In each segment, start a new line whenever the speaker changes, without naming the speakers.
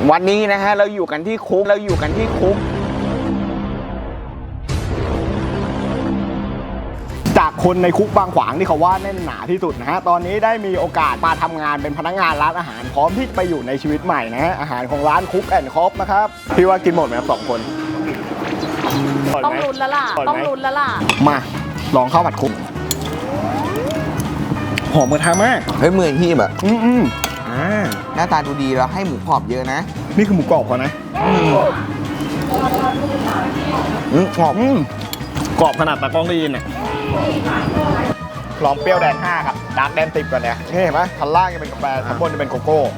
วันนี้นะฮะเราอยู่กันที่คุกจากคนในคุกบางขวางที่เขาว่าแน่นหนาที่สุดนะฮะตอนนี้ได้มีโอกาสมาทำงานเป็นพนักงานร้านอาหารพร้อมที่จะไปอยู่ในชีวิตใหม่นะฮะอาหารของร้านคุกแอนด์คอฟนะครับพี่ว่ากินหมดไหมครับ2 คน
ต้องลุ้นแล้วล่ะ
มาลองข้าวผัดคุกหอมกระทะมาก
เฮ้ยมือที่แบบ
หน้าตาดูดีแล้วให้หมูกรอบเยอะนะนี่คือหมูกรอบเขานะกรอบกรอบขนาดตะกล้องได้ยินอ่ะลองเปรี้ยวแดง5ครับดาร์กแดง10ก่อนเนี่ยนี่เห็นไหมชั้นล่างจะเป็นกาแฟชั้นบนจะเป็นโกโก้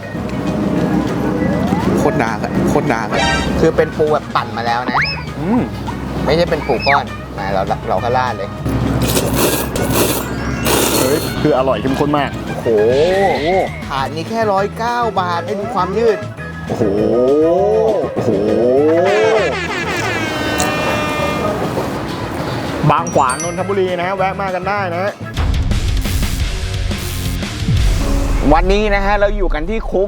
โคตรดาร์ก
คือเป็นปูแบบปั่นมาแล้วนะไม่ใช่เป็นปูก้อนมาเราก็ราดเลยเฮ้ยคืออร่อยเข้มข้นมากโอ้โหถาดนี้แค่109 บาทให้ดูความยืดโอ้โหบางขวางนนทบุรีนะแวะมากันได้นะวันนี้นะฮะเราอยู่กันที่คุก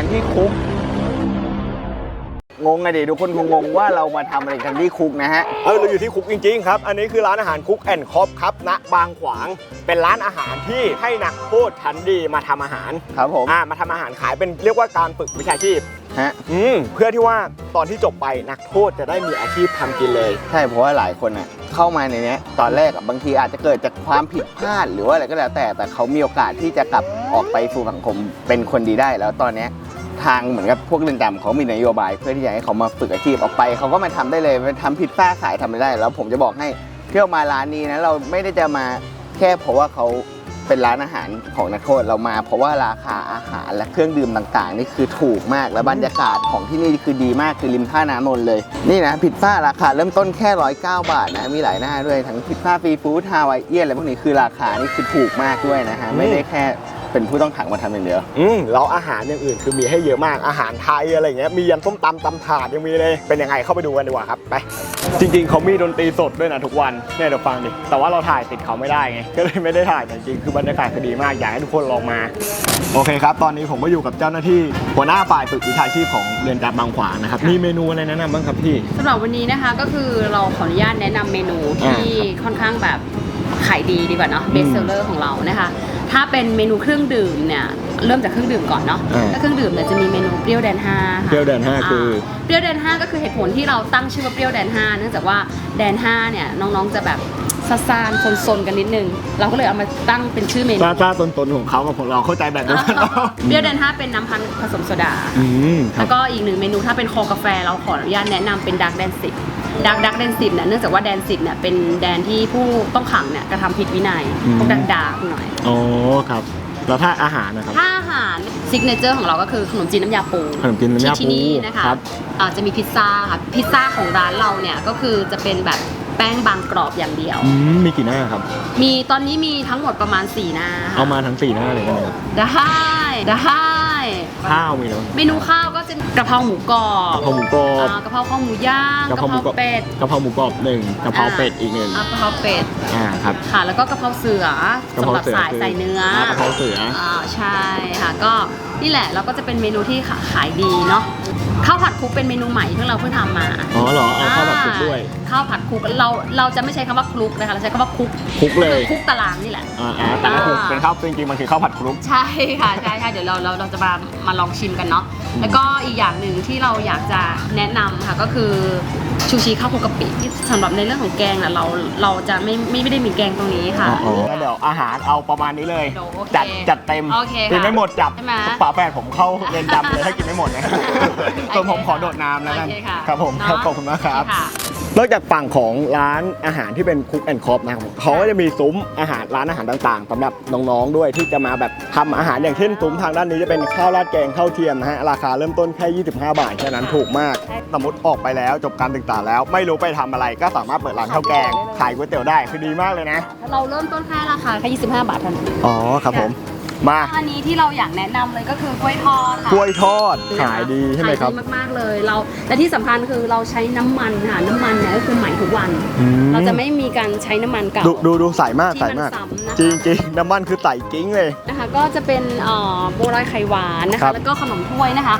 งงไงดิทุกคนคงงงว่าเรามาทำอะไรกันที่คุกนะฮะเราอยู่ที่คุกจริงๆครับอันนี้คือร้านอาหารคุกแอนด์คอฟครับณบางขวางเป็นร้านอาหารที่ให้นักโทษชั้นดีมาทำอาหารครับผมมาทำอาหารขายเป็นเรียกว่าการฝึกวิชาชีพฮะเพื่อที่ว่าตอนที่จบไปนักโทษจะได้มีอาชีพทำกินเลยใช่เพราะว่าหลายคนอ่ะเข้ามาในนี้ตอนแรกบางทีอาจจะเกิดจากความผิดพลาดหรือว่าอะไรก็แล้วแต่เขามีโอกาสที่จะกลับออกไปสู่สังคมเป็นคนดีได้แล้วตอนนี้ทางเหมือนกับพวกเรือนจำเขามีนโยบายเพื่อที่จะให้เขามาฝึกอาชีพออกไปเขาก็มาทำได้เลยมาทำพิซซ่าขายทำได้แล้วผมจะบอกให้เที่ยวมาร้านนี้นะเราไม่ได้จะมาแค่เพราะว่าเขาเป็นร้านอาหารของนักโทษเรามาเพราะว่าราคาอาหารและเครื่องดื่มต่างๆนี่คือถูกมากและบรรยากาศของที่นี่คือดีมากคือริมท่าน้ำนนท์เลยนี่นะพิซซ่าราคาเริ่มต้นแค่109 บาทนะมีหลายหน้าด้วยทั้งพิซซ่าฟรีฟู้ดฮาวายเอียนอะไรพวกนี้คือราคานี่คือถูกมากด้วยนะฮะไม่ได้แค่เป็นผู้ต้องขังมาทำอย่างเดียวแล้วอาหารอย่างอื่นคือมีให้เยอะมากอาหารไทยอะไรเงี้ยมียันส้มตำถาดยังมีเลยเป็นยังไงเข้าไปดูกันดีกว่าครับไปจริงๆเขามีดนตรีสดด้วยนะทุกวันเนี่ยเดี๋ยวฟังดิแต่ว่าเราถ่ายติดเขาไม่ได้ไงก็เลยไม่ได้ถ่ายแต่จริงคือบรรยากาศคือดีมากอยากให้ทุกคนลองมาโอเคครับตอนนี้ผมก็อยู่กับเจ้าหน้าที่หัวหน้าฝ่ายฝึกวิชาชีพของเรือนจำบางขวางนะครับมีเมนูอะไรแนะนำบ้างครับพี่
สำหรับวันนี้นะคะก็คือเราขออนุญาตแนะนำเมนูที่ค่อนข้างแบบขายดีกว่าเนาะเบสเซลเลอร์ของเรานะคะถ้าเป็นเมนูเครื่องดื่มเนี่ยเริ่มจากเครื่องดื่มก่อนเนาะถ้าเครื่องดื่มเนี่ยจะมีเมนูเปรี้ยวแดน5ค่ะ
เปรี้ยวแดน5คือ
เปรี้ยวแดน5ก็คือเหตุผลที่เราตั้งชื่อว่าเปรี้ยวแดน5เนื่องจากว่าแดน5เนี่ยน้องๆจะแบบซ่านๆซนๆกันนิดนึงเราก็เลยเอามาตั้งเป็นชื่อเมนู
ซ่าๆซนๆของเขากับของเราเข้าใจแบบนั้น
เปรี้ยวแดน5เป็นน้ำพันธุ์ผสมโซดาแล้วก็อีกหนึ่งเมนูถ้าเป็นคอกาแฟเราขออนุญาตแนะนำเป็นดาร์กแดน10ดักแดน10เนี่ยเนื่องจากว่าแดน10เนี่ยเป็นแดนที่ผู้ต้องขังเนี่ยกระทำผิดวินัยพวกดาร์กหน่อย
อ๋อครับแล้วถ้าอาหารนะครับ
ถ้าอาหารซิกเนเจอร์ของเราก็คือขนมจีนน้ำยาปูที่นี่นะคะจะมีพิซซ่าค่ะพิซซ่าของร้านเราเนี่ยก็คือจะเป็นแบบแป้งบางกรอบอย่างเดียว
มีกี่หน้าครับ
มีตอนนี้มีทั้งหมดประมาณ4 หน้า
เอามาทั้ง4 หน้าเลยได้ไหมครับ
ได้
ข้าวมีแล้ว
เมนูข้าวก็จะกะเพราหมูกรอบ
กะเพรา
ข้าวหมูย่างกะเพราเป็ด
กะเพราหมูกรอบ1กะเพราเป็ดอีก1
กะเพราเป็ด
ครับ
ค่ะแล้วก็กะเพราเสือสำหรับใส่เนื้อก
ะเพราเสือ
ใช่ค่ะก็นี่แหละเราก็จะเป็นเมนูที่ขายดีเนาะข้าวผัดคลุกเป็นเมนูใหม่ที่เราเพิ่งทำมา
อ๋อเหรอเอาข้าวผัดคลุกด้วย
ข้าวผัดคลุกเราจะไม่ใช้คำว่าคลุกนะคะเราใช้คำว่าคลุก
เลย
คลุกตารางนี่แหละ
แต่ก็คือเป็นข้าวจริงๆมันคือข้าวผัดคลุก
ใช่ค่ะใช่เดี๋ยวเราจะมาลองชิมกันเนาะแล้วก็อีกอย่างหนึ่งที่เราอยากจะแนะนำค่ะก็คือชูชีข้าวคลุกกะปิที่สำหรับในเรื่องของแกงน่ะเราจะไม่ได้มีแกงตรงนี้ค่ะ
แล้วเดี๋ยวอาหารเอาประมาณนี้เลยจัดเต็มกินไม่หมดจับฝาแฝดผมเข้าเรียนจำเลยถ้ากินไม่หมดนะส่วนผมขอโดดน้ำแล้วกันครับผมขอบคุณมากครับนอกจากฝั่งของร้านอาหารที่เป็นคุกแอนด์คอฟนะครับเขาก็จะมีซุ้มอาหารร้านอาหารต่างๆสำหรับน้องๆด้วยที่จะมาแบบทำอาหารอย่างเช่นซุ้มทางด้านนี้จะเป็นข้าวราดแกงข้าวเทียมนะฮะราคาเริ่มต้นแค่25 บาทแค่นั้นถูกมากสมมติออกไปแล้วจบการศึกษาแล้วไม่รู้ไปทำอะไรก็สามารถเปิดร้านข้าวแกงขายก๋วยเตี๋ยวได้คือดีมากเลยนะ
เราเริ่มต้นแค่ราคาแค่25 บาทเท่านั้น
อ๋อครับผมมา
อันนี้ที่เราอยากแนะนำเลยก็คือกล้วยทอดค่ะ
กล้วยทอดขายดีใช่ไหมครับ
ขายดีมากๆเลยและที่สำคัญคือเราใช้น้ำมันค่ะน้ำมันเนี่ยก็คือใหม่ทุกวันเราจะไม่มีการใช้น้ำมันเก่า
ดูใสมากจริงน้ำมันคือใสกิ้งเลย
นะคะก็จะเป็นโบราณไข่หวานนะคะแล้วก็ขนมถ้วยนะคะก็จะมี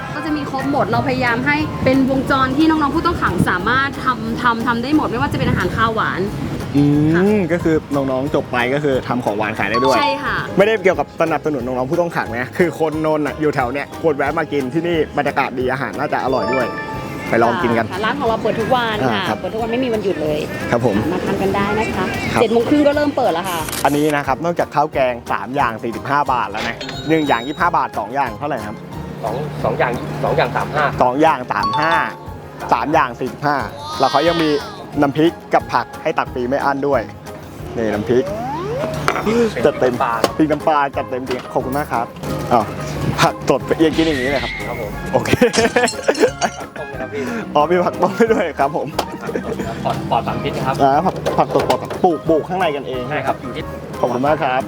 ครบหมดเราพยายามให้เป็นวงจรที่น้องๆผู้ต้องขังสามารถทำได้หมดไม่ว่าจะเป็นอาหารคาวหวาน
ก็คือน้องๆจบไปก็คือทำของหวานขายได้ด้วย
ใช่ค่ะ
ไม่ได้เกี่ยวกับสนับสนุนน้องๆผู้ต้องขังนะคือคนนนท์อยู่แถวเนี้ยควรแวะมากินที่นี่บรรยากาศดีอาหารน่าจะอร่อยด้วยไปลองกินกัน
ร้านของเราเปิดทุกวันค่ะเปิดทุกวันไม่มีวันหยุดเลย
ครับผม
มาทานกันได้นะคะ7:30ก็เริ่มเปิดแล้วค่ะ
อันนี้นะครับนอกจากข้าวแกง3อย่าง45 บาทแล้วนะ1อย่าง25 บาท2อย่างเท่าไหร่ครับ
2อย่าง2อย่าง35
2อย่าง35 3อย่าง45แล้วเขายังมีน้ำพริกกับผักให้ตักฟรีไม่อั้นด้วยนี่น้ำพริกจัดเต็มพริกน้ำปลาจัดเต็มจริงขอบคุณมากครับผักสดยังกินอย่างนี้เลยครับ
ครับผม
โอเคมีผักต้มไปด้วยครับผม
ปลอดสารพิษครับ
ผักสดปลอดปลูกข้างในกันเอง
ใช่ครับอยู่ที่
ขอบคุณมากครับ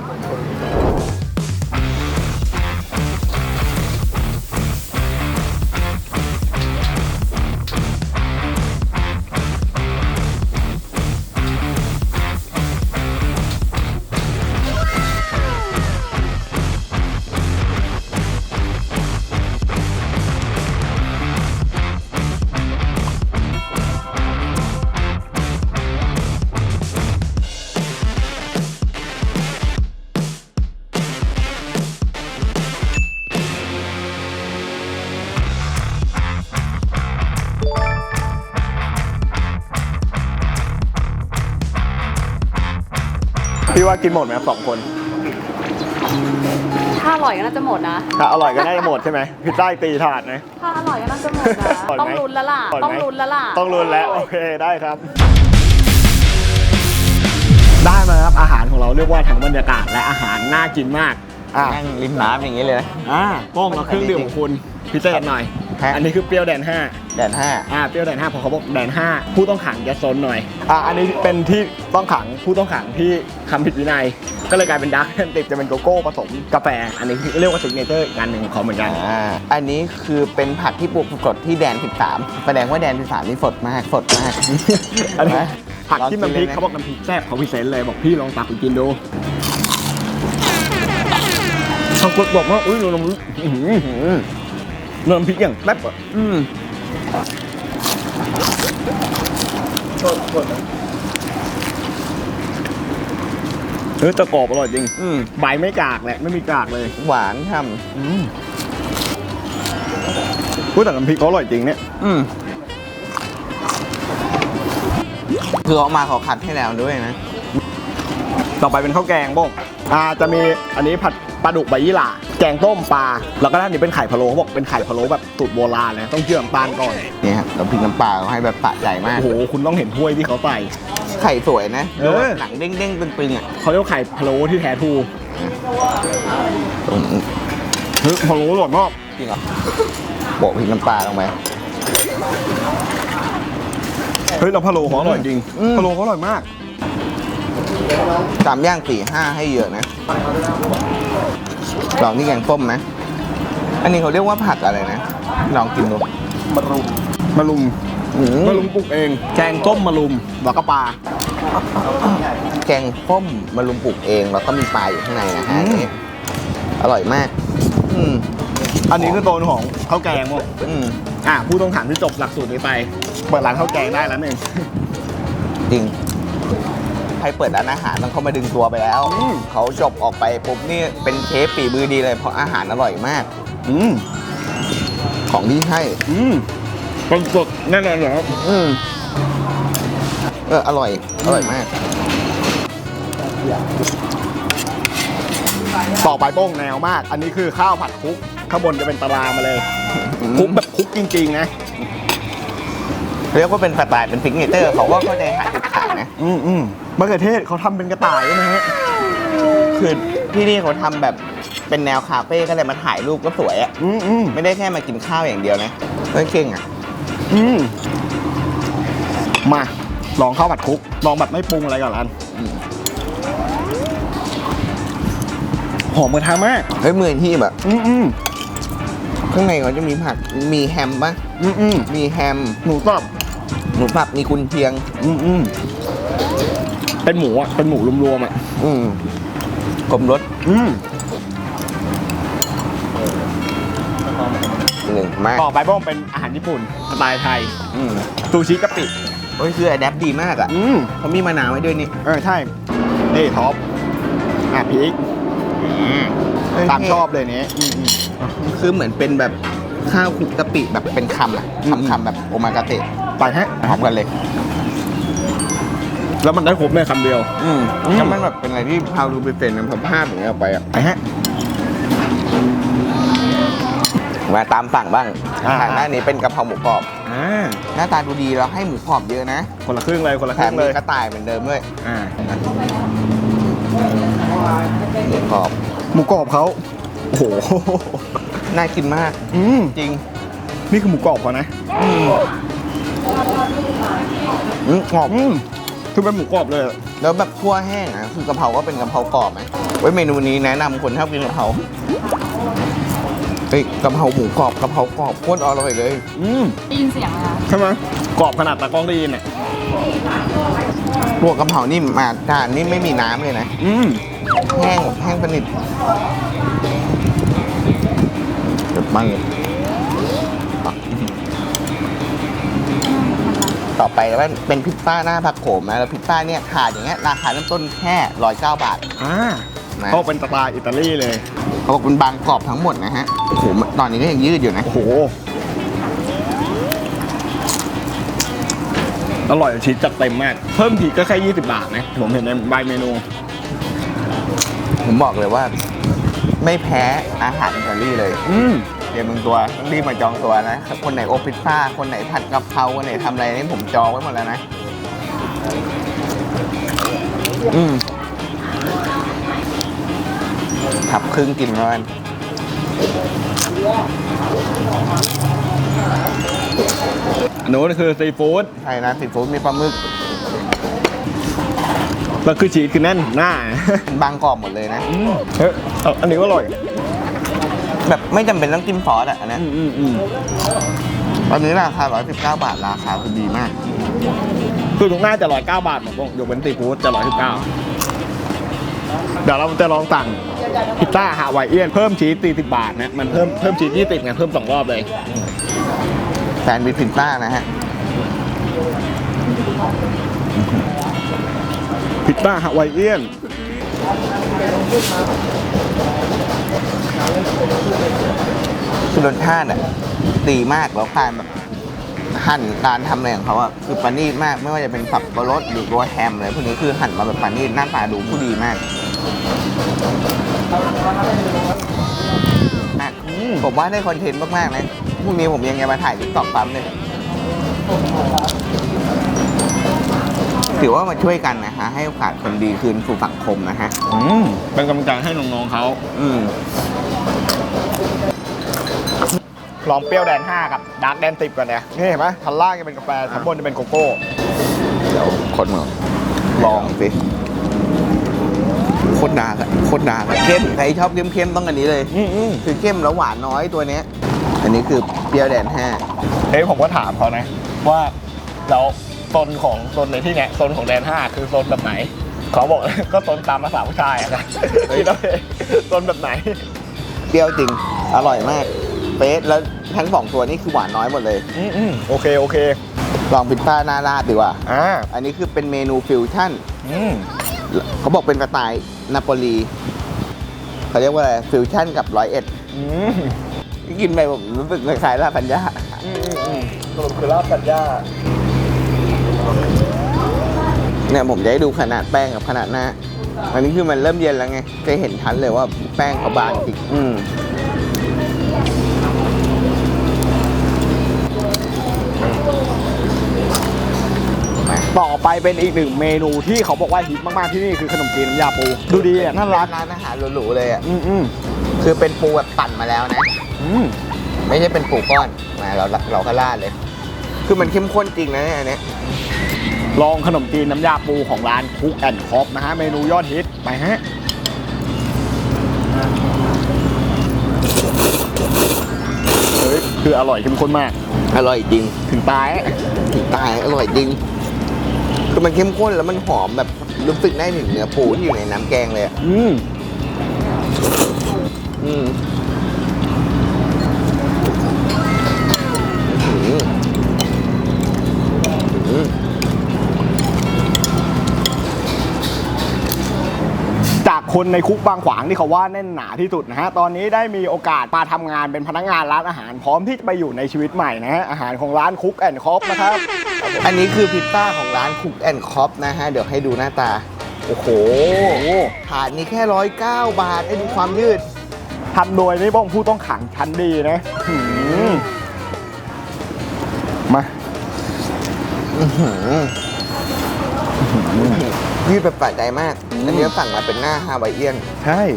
พี่ว่ากินหมดไหมครับ2 คน
ถ้าอร่อยก็น่าจะหมดนะ
ถ้าอร่อยก็น่าจะหมดใช่ไหมพิซซ่าตีถาดนะ
ถ้าอร่อยก็น่าจะหมดนะต้องลุ้นแล้วล่ะต้องลุ้น
แล้วโอเคได้ครับได้มาครับอาหารของเราเรียกว่าทั้งบรรยากาศและอาหารน่ากินมาก
นั่งริมน้ำอย่างนี้เลยนะ
ป้องกับเครื่องดื่มของคุณพิเศษหน่อยอันนี้คือเปรี้ยวแดน5
เป
รี้ยวแดน5พอเขาบอกแดน5ผู้ต้องขังจะซนหน่อยอันนี้เป็นที่ต้องขังผู้ต้องขังที่ทำผิดวินัยก็เลยกลายเป็นดาร์กแอนติกจะเป็นโกโก้ผสมกาแฟอันนี้เรียกว่าซิกเนเจอร์อีกอันหนึ่งของเขาเหมือนกัน
อันนี้คือเป็นผักที่ปลูกสดที่แดน13แสดงว่าแดน13นี่สดมาก
อันนี้ผักที่น้ำพริกเขาบอกน้ำพริกแซ่บเขาพิเศษเลยบอกพี่ลองตักไปกินดูเขาบอกว่าอุ้ยน้ำพริกอย่างแซ่บตะกอบอร่อยจริงใบไม่กากแหละไม่มีกากเลย
หวานทำ
แต่น้ำพริกเขาอร่อยจริงเนี่ย
คือออกมาเขาคัดให้แล้วด้วยนะ
ต่อไปเป็นข้าวแกงบ้งจะมีอันนี้ผัดปลาดุกใบยี่หร่าแกงต้มปลาแล้วก็ด้านนี้เป็นไข่พะโล้เขาบอกเป็นไข่พะโล้แบบสูตรโบราณเลยต้องเชื่อมตาลก่อน
นี่ครับเราพริกน้ำปลาเขาให้แบบสะใจมาก
โอ้โหคุณต้องเห็นถ้วยที่เขาใส่
ไข่สวยนะหนังเด้งๆตึงๆ
เขาเรียกไข่พะโล้ที่แท้ทูพะโล้อร่อยมาก
จริงเหรอโปะพริกน้ำปลาลงไป
เราพะโล้เขาอร่อยจริงพะโล้เขาอร่อยมาก
3 ย่าง 4-5ให้เยอะนะลองนี่แกงส้มนะอันนี้เขาเรียกว่าผักอะไรนะลองกินดู
มะรุมปลูกเองแกงต้มมะรุมแล้วก็ปลา
แกงส้มมะรุมปลูกเองแล้วก็มีปลาอยู่ข้างในนะฮะอร่อยมาก
อันนี้คือโซนของข้าวแกงมั้งผู้ต้องขังที่จบหลักสูตรนี้ไปเปิดร้านข้าวแกงได้แล้วนึง
จริงใครเปิดร้านอาหารต้องเข้ามาดึงตัวไปแล้วเขาจบออกไปปุ๊บนี่เป็นเชฟฝีมือดีเลยเพราะอาหารอร่อยมากของที่ให้
เป็นสดแน่นอนเหรอ
อร่อยมาก
ต่อไปโป้งแนวมากอันนี้คือข้าวผัดคลุกข้างบนจะเป็นตารางมาเลยคลุกแบบคลุกจริงๆนะ
เรียกว่าเป็นสไตล์เป็นซิกเนเจอร์เขาก็เข้าใจหาจุดขายนะ
มะเขือเทศเขาทำเป็นกระต่ายนะฮะ
คือที่นี่เขาทำแบบเป็นแนวคาเฟ่ก็เลยมาถ่ายรูปก็สวยอ่ะไม่ได้แค่มากินข้าวอย่างเดียวนะเก่งอ่ะ
มาลองข้าวผัดคลุกลองแบบไม่ปรุงอะไรก่อนอันหอมกระทะมาก
มือที่แบบข้างในเขาจะมีผักมีแฮมป่ะมีแฮม
หมูสับ
มีกุนเชียง
เป็นหมูอ่ะเป็นหมูรวมๆอ่ะ
กลมรส1 มา
ต่อไปบ้องเป็นอาหารญี่ปุ่นสไตล์ไทย
อืม
ซูชิกะปิ
โอ้ยคืออะแดปดีมากอ่ะเขามีมะนาวไว้ด้วยนี่
ใช่นี่ท็อปพริกตามชอบเลยนี้
คือเหมือนเป็นแบบข้าวคลุกกะปิแบบเป็นคำอ่ะคำแบบโอมากาเตะ
ไปฮะ
พร้อมกันเลย
แล้วมันได้ครบในคำเดียว
แล้วมันแบบเป็นอะไรที่พาวดูไปเป็นมันพอภาพอย่างเงี้ยออกไปอ่ะ
ไปฮะ
มาตามสั่งบ้าง
อ่า
ทางหน้านี้เป็นกะเพราหมูกรอบ
อ่า
หน้าตาดูดีแล้วให้หมูกรอบเยอะนะ
คนละครึ่งเลยคนละค
แถ
รึ่
ม
งเล
มี
ย
กระต่ายเหมือนเดิมด้วย
อ่า
หมูกรอบ
หมูกรอบเขาโอ้โห
น่ากินมาก จริง
นี่คือหมูกรอบเขานะ
กรอบ
คือเป็นหมูกรอบเลย
แล้วแบบคั่วแห้งอ่ะคือกะเพราก็เป็นกะเพรากรอบไหมเว้ยเมนูนี้แนะนำคนชอบกินกะเพราเฮ้ยกะเพราหมูกรอบกะเพรากรอบโคตรอร่อยเลย
ได้ยินเสียงไหมคะ
ใช่ไหมกรอบขนาดตากล้องได้ยินอ่ะ
ตัวกะเพรานี่มาจานนี่ไม่มีน้ำเลยนะแห้งแบบแห้งสนิทเด็ดมากเลยต่อไปแล้วเป็นพิซซ่าหน้าผักโขมนะแล้วพิซซ่าเนี่ยถาดอย่างเงี้ยราคาเริ่มต้นแค่109 บาท นะ
เขาเป็นสไตล์อิตาลีเลย
เขาบอกเป็นบางกรอบทั้งหมดนะฮะโอ้โหตอนนี้ก็ยังยืดอยู่นะ
โอ้โห อร่อยชีสจัดเต็มมาก เพิ่มทีก็แค่20 บาทนะ ผมเห็นในใบเมนู
ผมบอกเลยว่า ไม่แพ้อาหารอิตาลีเลยเดี๋ยวมึงตัวต้องรีบมาจองตัวนะ คนไหนโอพิซซ่า คนไหนผัดกะเพรา คนไหนทำอะไรนี่ผมจองไว้หมดแล้วนะทับครึ่งกินแล้วกัน
อันนู้นคือซีฟู้ด
ใช่นะซีฟู้ดมีปลาหมึก
แล้วคือชีสคือแน่นหน้า
บางกรอบหมดเลยนะ
เฮ้ยอันนี้ก็อร่อย
แบบไม่จำเป็นต้องจิ้มซอสอ่ะอันนี้ตอนนี้ราคา119 บาทราคาคือดีมาก
คือทุกหน้าจะ109 บาทหมดตรงยกเว้นซีฟู้ดจะ119เดี๋ยวเราจะลองสั่งพิซซ่าฮาวายเอียนเพิ่มชีส40 บาทนะ มันเพิ่มชีส20ไงเพิ่ม2 รอบเลย
แซนด์วิชพิซซ่านะฮะ
พิซซ่าฮาวายเอียน
คือรสชาติอ่ะดีมากแล้วการแบบหั่นการทำอะไรของเขาอ่ะคือประณีตมากไม่ว่าจะเป็นสับปะรดหรือตัวแฮมอะไรพวกนี้คือหั่นมาแบบประณีตหน้าตาดูผู้ดีมากผมว่าได้คอนเทนต์มากๆนะพรุ่งนี้ผมยังจะมาถ่ายติ๊กต็อกปั๊มเลยถือว่ามาช่วยกันนะฮะให้โอกาสคนดีคืนสู่สังคมนะฮะ
เป็นกำลังใจให้น้องๆเขาลองเปรี้ยวแดน 5 กับดาร์กแดน 10 กันเนี่ยนี่เห็นไหมชั้นล่างจะเป็นกาแฟชั้นบนจะเป็นโกโก้
เดี๋ยวคนมาลองสิโคตรดาร์กอะโคตรดาร์กอะเข้มใครชอบเข้มๆต้องอันนี้เลยคือเข้มแล้วหวานน้อยตัวเนี้ยอันนี้คือเปรี้ยวแดน 5
เฮ้ยผมก็ถามเขานะว่าแล้วโซนในที่เนี้ยโซนของแดน 5 คือโซนแบบไหนเขาบอก ก็โซนตามภาษาผู้ชายอะนะคิดเอาเองโซนแบบไหน
เปรี้ยวจริงอร่อยมากเป๊ะแล้วทั้ง2ตัวนี้คือหวานน้อยหมดเลย
โอเค
ลองพิซซ่าหน้าราดดีกว่า อันนี้คือเป็นเมนูฟิวชั่นเขาบอกเป็นสไตล์นาโปลีเขาเรียกว่าอะไรฟิวชั่นกับ101กินไปผมรู้สึกคล้ายๆลาซานญ่า
สรุปคือลาซานญ่า
เนี่ยผมจะให้ดูขนาดแป้งกับขนาดหน้าอันนี้คือมันเริ่มเย็นแล้วไงจะเห็นทันเลยว่าแป้งเขาบางจริง
ต่อไปเป็นอีกหนึ่งเมนูที่เขาบอกว่าฮิตมากๆที่นี่คือขนมจีนน้ำยาปูดูดีอ่ะน่ารัก
ร้านอาหารหรูๆเลยอ่ะคือเป็นปูแบบปั่นมาแล้วนะไม่ใช่เป็นปูก้อนมาเราก็ราดเลยคือมันเข้มข้นจริงนะเนี่ยอันนี้
ลองขนมจีนน้ำยาปูของร้านคุกแอนด์คอฟนะฮะเมนูยอดฮิตไปฮะเฮ้ยคืออร่อยเข้มข้นมาก
อร่อยจริง
ถึงตาย
อร่อยจริงคือมันเข้มข้นแล้วมันหอมแบบรู้สึกได้ถึงเนื้อปูที่อยู่ในน้ำแกงเลยอ่ะ
คนในคุกบางขวางที่เขาว่าแน่นหนาที่สุดนะฮะตอนนี้ได้มีโอกาสมาทำงานเป็นพนักงานร้านอาหารพร้อมที่จะไปอยู่ในชีวิตใหม่นะฮะอาหารของร้านคุกแอนด์คอฟนะครับ
อันนี้คือพิซซ่าของร้านคุกแอนด์คอฟนะฮะเดี๋ยวให้ดูหน้าตาโอ้โหถาดนี้แค่109 บาทให้ดูความยืด
ทำโดยนี่บ้องผู้ต้องขังชั้นดีนะมา
ยืดแบบแปลกใจมากอันนี้สั่งมาเป็นหน้าฮาวายเอียน
ใช่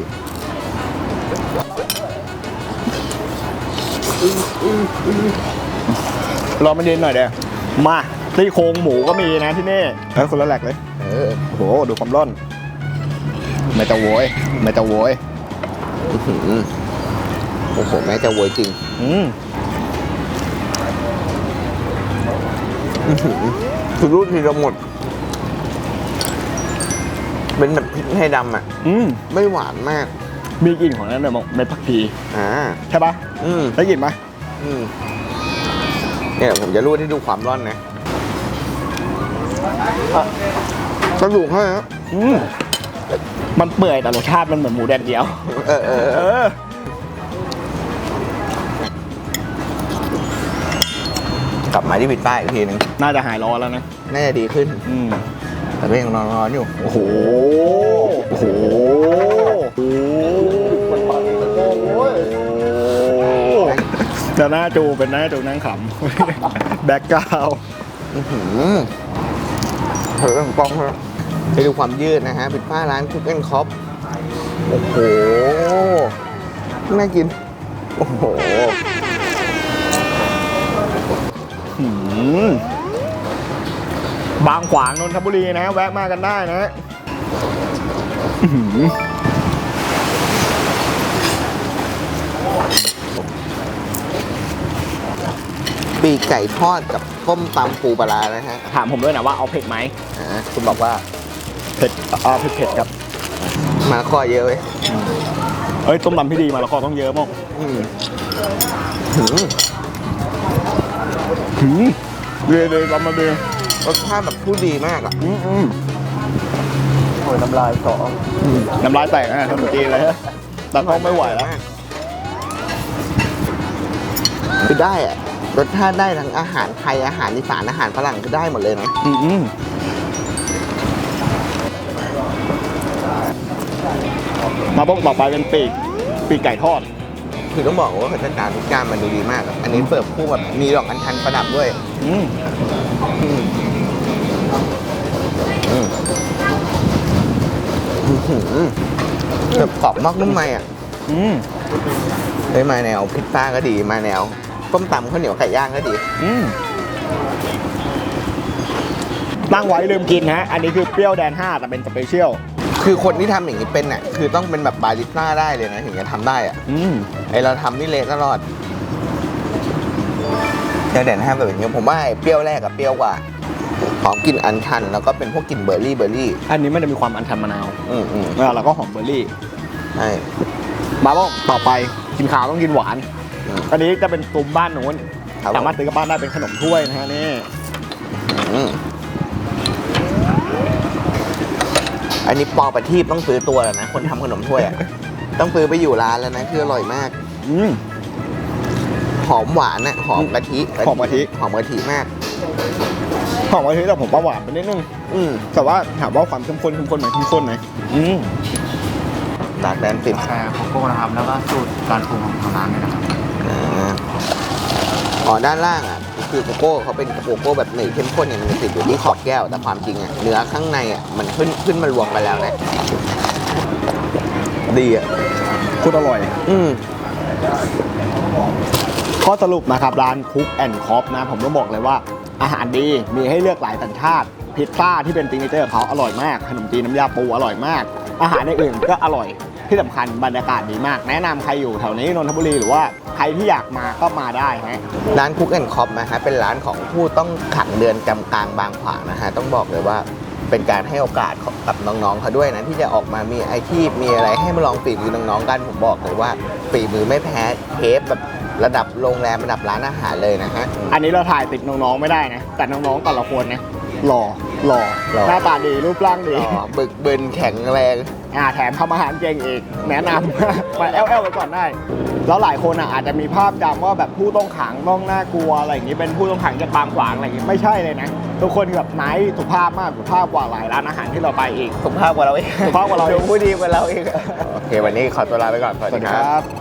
รอมันเย็นหน่อยเดี๋ยวมาซี่โครงหมูก็มีนะที่นี่คนละแหลกเลยโอ้โหดูความร่อนไม่จะโวยไม่จะโวย
โอ้โหแม่จะโวยจริงคือรูดทีละหมดเป็นแบบพริกไทยดำอ่ะไม่หวานมาก
มีกลิ่นของนั้นเลยมั้งในผักชีใช่ปะได้กลิ่นไหม
เนี่ยผมจะรูดให้ดูความร้อนนะกระดูกให้ฮะ
มันเปื่อยแต่รสชาติมันเหมือนหมูแดดเดียว
กลับมาที่พิซซ่าอีกทีนึง
น่าจะหายร้อนแล้วนะ
น่าจะดีขึ้นแต่ก็ยังร้อนอยู่
โอ้โหโอ้โหจะหน้าจูเป็นหน้าจูนั่งขำแบ็กกราวด์
เฮ้ยกล้องเลยไปดูความยืดนะฮะพิซซ่าร้านคุกแอนด์คอฟโอ้โหน่ากินโอ้โห
บางขวางนนทบุรีนะแวะมากันได้นะ
ปีกไก่ทอดกับต้มตำปูปลานะฮะ
ถามผมด้วยนะว่าเอาเผ็ดไหม
คุณบอกว่า
เผ็ดเผ็ดครับ
มาละคอเยอะเว้ย
ต้มตำพี่ดีมาละคอต้องเยอะมากเลยเรามาดู
รสชาติแบบผู้ดีมากอ่ะโอ้ยน้ำลายสอ
น้ำลายแตกนะทำจีนเลยฮะแต่ท้องไม่ไหวแล้ว
คือได้อ่ะรสชาติได้ทั้งอาหารไทยอาหารอีสานอาหารฝรั่งคือได้หมดเลยนะ
มาบ้องต่อไปเป็นปีกไก่ทอด
คือต้องบอกว่าพัฒนาทุกอย่างมันดูดีมากอันนี้เสิร์ฟคู่แบบมีดอกอัญชันประดับด้วยแบบกรอบนอกนุ่มในอ่ะมาแนวพิซซ่าก็ดีมาแนวต้มตำข้าวเหนียวไก่ย่างก็ดี
ตั้งไว้ลืมกินฮะอันนี้คือเปรี้ยวแดน5แต่เป็นสเปเชียล
คือคนที่ทำอย่างนี้เป็นเนี่ยคือต้องเป็นแบบบาริสต้าได้เลยนะถึงจะทำได้อ่ะไอเราทำนี่เละตลอดเปรี้ยวแดน5แบบนี้ผมว่าเปรี้ยวแรกกับเปรี้ยวกว่าหอมกลิ่นอัญชันแล้วก็เป็นพวกกลิ่นเบอร์รี่
อันนี้มันจะมีความอัญชันมะนาวแล้วก็หอมเบอร์รี่
ใช่
มาบ้องต่อไปกินขาวต้องกินหวานอันนี้จะเป็นตุ้มบ้านหนูสามารถซื้อกลับบ้านได้เป็นขนมถ้วยนะฮะนี่
อันนี้ปอประทีปต้องซื้อตัวแล้วนะคนทำขนมถ้วยอ่ะต้องซื้อไปอยู่ร้านแล้วนะคืออร่อยมากหอมหวานนะหอมกะทิ
หอมกะทิ
มาก
หอมกะทิแต่ผมว่าหวานไปนิดนึงแต่ว่าถามว่าความเข้มข้นไหมเข้มข้นไหม
ดาร์กแดนซิป
แชร์โกโก้นะครับแล้วก็สูตรการปรุงของทางร้านเลยนะครับ
ด้านล่างอ่ะคือโกโก้เขาเป็นโกโก้แบบหนืดเข้มข้นเนี่ยมันติดอยู่ที่ขอบแก้วแต่ความจริงอ่ะเนื้อข้างในอ่ะมันขึ้นมารวมกันแล้วนะดีอ่ะ
พูดอร่อยข้อสรุปนะครับร้านคุกแอนด์คอฟนะผมต้องบอกเลยว่าอาหารดีมีให้เลือกหลายสัญชาติพิซซ่าที่เป็นซิกเนเจอร์ของเขาอร่อยมากขนมจีนน้ำยาปูอร่อยมากอาหารอื่นก็อร่อยที่สำคัญบรรยากาศดีมากแนะนำใครอยู่แถวนี้นนทบุรีหรือว่าใครที่อยากมาก็มาได้ฮะ
ร้านคุกแอนด์คอฟนะฮะเป็นร้านของผู้ต้องขังเรือนจำกลางบางขวางนะฮะต้องบอกเลยว่าเป็นการให้โอกาสกับน้องๆเขาด้วยนะที่จะออกมามีอาชีพมีอะไรให้มาลองฝีมือน้องๆกันผมบอกเลยว่าฝีมือไม่แพ้เชฟแบบระดับโรงแรมระดับร้านอาหารเลยนะฮะ
อันนี้เราถ่ายติดน้องๆไม่ได้นะแต่น้องๆแต่ละคนนะหล่อหน้าตาดีรูปร่างดี
บึกบึนแข็งแรง
แถมทำอาหารเก่งอีกแนะนำ มาแอลไว้ก่อนได้ แล้วหลายคนอาจจะมีภาพจำว่าแบบผู้ต้องขังต้องน่ากลัวอะไรอย่างนี้เป็นผู้ต้องขังจากบางขวางอะไรอย่างนี้ไม่ใช่เลยนะทุกคนแบบไนท์สุภาพมากสุภาพกว่าหลายร้านอาหารที่เราไปอีก
สุภาพกว่าเราเอง
สุภาพกว่าเราเอง
ดูผู้ดีกว่าเราเองโอเควันนี้ขอตัวลาไปก่อนสวัสดีครับ